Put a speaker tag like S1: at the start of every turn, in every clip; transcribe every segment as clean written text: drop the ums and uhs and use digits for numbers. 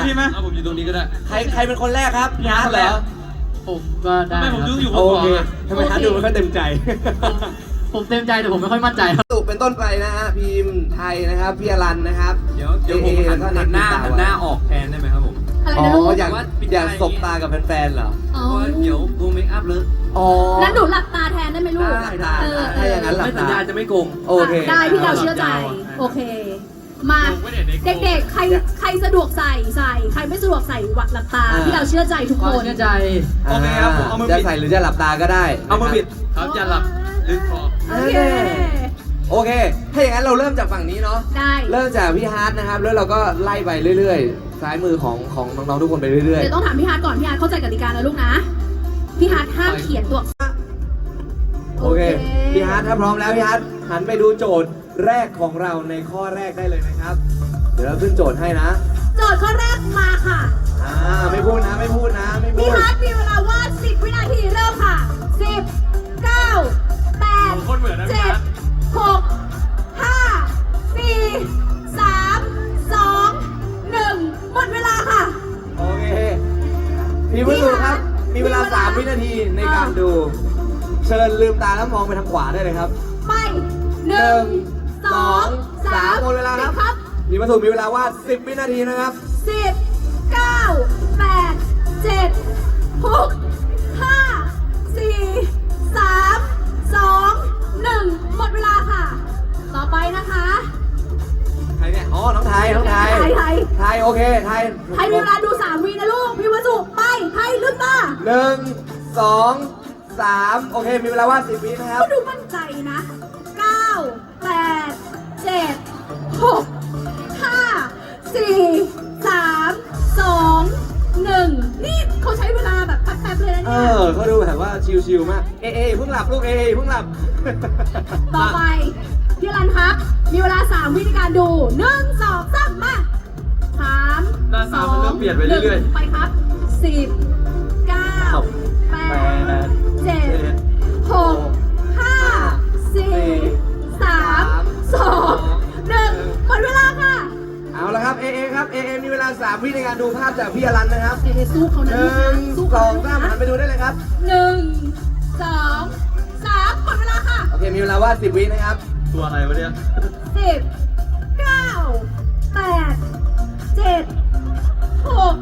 S1: ใช่ไหม
S2: ผมอยู่ตรงนี้ก็ได้
S1: ใครเป็นคนแรกครับพี่อาร์ตเหรอ
S3: ผมก็ได้
S2: ไม่ผมดูอยู่
S1: โอเคทำไมฮาร์ดดูไม่ค่อยเต็มใจ
S3: ผมเต็มใจแต่ผมไม่ค่อยมั่นใจครับ
S1: สุกเป็นต้นไปนะฮะพิมพ์ไทยนะครับพี่อรันนะครับ
S2: เดี๋ยวผมหันหน้าออกแทนได้ไหมครับผม
S4: อะไร
S1: อ๋
S4: นะลูก
S1: ออยากสบตากับแฟนๆเหรอ
S4: อ๋อ
S2: เดี๋ยววงเมคอัพเลย
S1: อ๋อ
S4: นั้นหนูหลับตาแทนได้ไหมลูก
S1: ได้ถ้าอย่างนั้นหลับ
S2: ไม่สัญ
S1: ตา
S2: ญาจะไม่โกง
S1: โอเค
S4: ได้พี่เราเชื่อใจ โอเค มาเด็กๆ ใครสะดวกใส่ใครไม่สะดวกใส่หวัดหลับตาพี่เราเชื่อใจทุกคน
S3: เชื่อใจ
S2: โอเคครับผมเอามือ
S1: จะ
S2: ปิด
S1: ใส่หรือจะหลับตาก็ได้
S2: เอามือปิดครับจะหลับลึกคอ
S4: โอเค
S1: โอเค ถ้าอย่างนั้นเราเริ่มจากฝั่งนี้เนาะ
S4: ได้
S1: เริ่มจากพี่ฮาร์ดนะครับ แล้วเราก็ไล่ไปเรื่อยๆ ซ้ายมือของน้องๆทุกคนไปเรื่อย
S4: เดี๋ยวต้องถามพี่ฮาร์ดก่อนพี่ฮาร์ดเข้าใจกติกานะลูกนะ พี่ฮาร์ดห้ามเขียนตัว
S1: ๆ โอเค พี่ฮาร์ดถ้าพร้อมแล้วพี่ฮาร์ดหันไปดูโจทย์แรกของเราในข้อแรกได้เลยนะครับ เดี๋ยวเราขึ้นโจทย์ให้นะ
S4: โจทย์ข้อแรกมาค่ะ
S1: ไม่พูดนะ ไม่พูดนะ ไม่พู
S4: พี่
S1: ด
S4: ฮาร์ดมีเวลาวาด10 วินาทีเริ่มค่ะ 10 9 8
S2: คนเหมือนนะพี่ฮาร์ด
S4: 7 6 5 4 3 2 1 หมดเวลาค่ะ
S1: โอเค พี่ผู้สูครับ มีเวลา 3 วินาทีในการดู เชิญลืมตาแล้วมองไปทางขวาได้เลยครับ
S4: ไป 1 2 3
S1: หมดเวลาครับ
S4: ครับ
S1: พี่ผู้สูมีเวลาวาด 10 วินาทีนะครับ
S4: 10 9 8 7 6 5 4 3 2 1 หมดเวลาค่ะ ต่อไปนะคะ
S1: ใครเนี่ย อ๋อ น้องไทย
S4: ไทย
S1: ไทย โอเค ไทย
S4: ไทยมีเวลาดู 3 วินะลูก พี่วัสุไป ไทยลืมตา
S1: 1 2 3 โอเค มีเวลาวาด 10 วินะครับ
S4: ก็ดูมั่นใจนะ 9 8 7 6 5 4 3 2 1 นี่เขาใช้เวลาแบบแป๊บๆเลยนะเนี่ย
S1: เขาดูแบบว่าชิลๆมาก เอเพิ่งหลับลูก เพิ่งหลับ
S4: ต่อไป พี่รันครับ มีเวลา 3 วิในการดู 1 2 3 มา3
S2: หน้าตามันเริ่มเปลี่ยนไปเรื่อยๆ
S4: 1ไปครับ 10 9 8 7 6 5 4 3 2 1 หมดเวลาค่ะ
S1: เอาละครับ เอครับ เอมีเวลา 3 วิในการดูภาพจากพี่อรันนะครับ
S4: เอสู้เขานะลูกนะสู้
S1: 1
S4: เขา
S1: 2 3หันไปดูได้เลยครับ
S4: 1 2 3 หมดเวลาค่ะ
S1: โอเค มีเวลาวาด 10 วินะครับ
S2: ตัวอะไรวะเนี่ย
S4: 10 9 8 7 6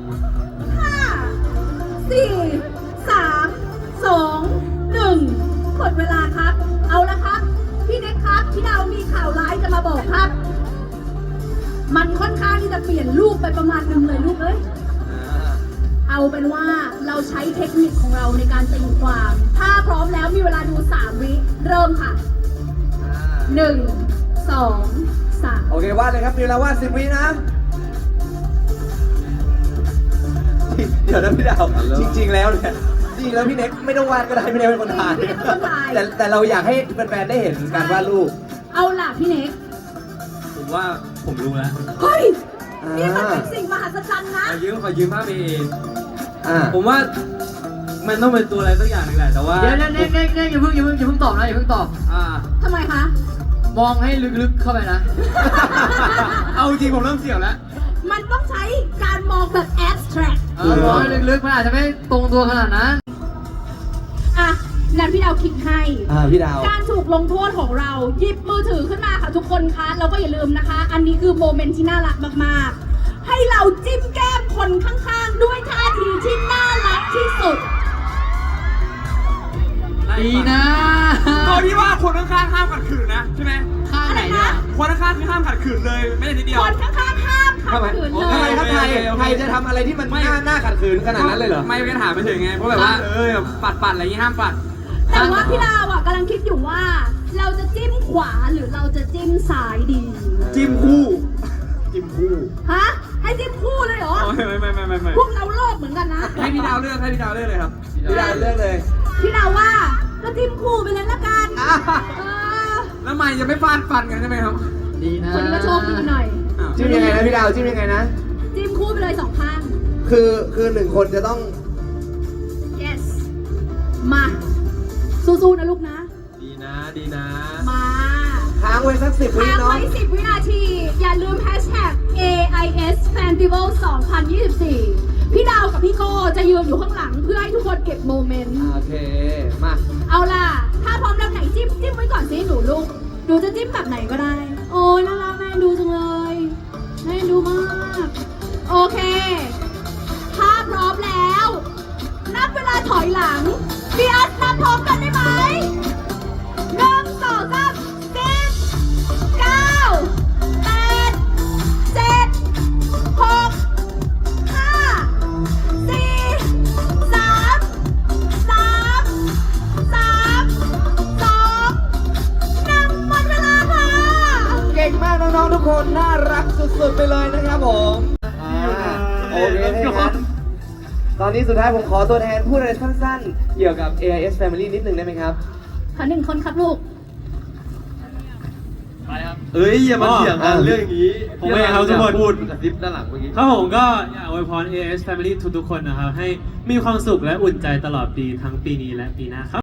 S4: 5 4 3 2 1 หมดเวลาครับ เอาละครับ พี่เน็กครับ พี่ดาวมีข่าวร้ายจะมาบอกครับ มันค่อนข้างที่จะเปลี่ยนรูปไปประมาณนึงเลยลูกเอ้ย เอาเป็นว่าเราใช้เทคนิคของเราในการตีความ ถ้าพร้อมแล้วมีเวลาดู 3 วิเริ่มค่ะ 1 2 3
S1: โอเควาดเลยครับ มีเวลาวาด 10 วินะ เดี๋ยวนะพี่ดาว จริงๆแล้วเนี่ยจริงๆแล้วพี่เน็กไม่ต้องวาดก็ได้พี่เน็กเป็นคนถ่าย
S4: พี่เน็กเป็นคนถ่าย
S1: แต่เราอยากให้แฟนๆได้เห็นการวาดรูป
S4: เอาล่ะพี่เน็ก
S2: ผมว่าผมรู้แล้ว
S4: เฮ้ย นี่มันเป็นสิ่งมหัศจรรย์นะ
S2: ขอยืมภาพเอ
S1: อ่า
S2: ผมว่ามันต้องเป็นตัวอะไรสักอย่างหนึงแหละแต่ว่า
S3: เดี๋ยวอย่าเพิ่งตอบนะอย่าเพิ่งตอบ
S4: ทำไมคะ
S3: มองให้ลึกๆเข้าไปนะ
S2: เอาจริงผมเริ่มเสี่ยวแล้ว
S4: มันต้องใช้การมองแบบ abstract
S3: มองให้ลึกๆมันอาจจะไม่ตรงตัวขนาดนั้น
S4: อ่ะนั้นพี่ดาวคิดให้
S1: พี่ดาว
S4: การถูกลงโทษของเราหยิบมือถือขึ้นมาค่ะทุกคนคะแล้วก็อย่าลืมนะคะ อันนี้คือโมเมนต์ที่น่ารักมากๆ ให้เราจิ้มแก้มคนข้างๆ ด้วยท่าทีที่น่ารักที่สุด
S3: ดีนะ
S2: ตัวที่ว่าคนข้างๆห้ามขัดขืนนะใช่ไหม
S3: ข้างไหนเนี่ย
S2: คนข้างๆคือห้ามขัดขืนเลยไม่ได้นิดเดียว
S4: คนข้างๆห้ามขัดขืนเล
S1: ทำไม
S4: ย
S1: ครับไทย ไทยจะทำอะไรที่มันน่าขัดขืนขนาดนั้นเลยเหรอ
S2: ไม่ถามไปถึงไงเพราะแบบว่าปัดอะไรอย่างงี้ห้ามปัด
S4: แต่ว่าพี่ดาวอ่ะกำลังคิดอยู่ว่า เราจะจิ้มขวาหรือเราจะจิ้มซ้ายดี
S2: จิ้มคู่
S4: ฮะ ให้จิ้มคู่เลยเหรอ
S2: ไม่
S4: พวกเราโลภเหมือนกันนะ
S2: ให้พี่ดาวเลือกเลยครับ
S1: พี่ดาวเลือกเลย
S4: พี่ดาวว่าก็จิ้มคู่ไปเลยละกันเออ
S2: แล้วไม่จะไม่ฟาดฟันกันใช่ไหมครับ
S3: ดีนะ
S4: คนนี้ก็โชคดีหน่อย
S1: จิ้มยังไงนะพี่ดาวจิ้มยังไงนะ
S4: จิ้มคู่ไปเลย2 ข้าง
S1: คือ1 คนจะต้อง
S4: yes มาสู้ๆนะลูกนะ
S2: ดีนะ
S4: มา
S1: ค้างไว้สัก 10 วิ
S4: ค้าง
S1: เนาะ
S4: ไว้10 วินาที อย่าลืม hashtag AIS Festival 2024 ยืนอยู่ข้างหลังเพื่อให้ทุกคนเก็บโมเมนต์
S1: โอเค มา
S4: เอาล่ะ ถ้าพร้อมแล้วไหนจิ้มไว้ก่อนสิหนูลูกหนูจะจิ้มแบบไหนก็ได้ โอ้ยน่ารักแม่ดูจังเลยแม่ดูมาก โอเคถ้าพร้อมแล้ว นับเวลาถอยหลังพี่อัดนับพร้อมกันได้ไหม1 2 3 10 9 8 7 6 5 4 หมดเวลาค่ะ
S1: เก่งมากน้องๆทุกคน น่ารักสุดๆไปเลยนะครับผมโอเคนะครับตอนนี้สุดท้ายผมขอตัวแทนพูดอะไรสั้นๆ เกี่ยวกับ AIS Family นิดนึงได้ไหมครับ
S4: ขอ1 คนครับลูก
S2: เอ้ยอย่ามาเถียงกันเรื่องนี้
S5: ผมเองครับทุกคน
S2: พูดกระซิบด้านหลังเมื่อกี้
S5: ครับผมก็อยากอวยพร AS Family ทุกๆคนนะครับ ให้มีความสุขและอุ่นใจตลอดปีทั้งปีนี้และปีหน้าครับ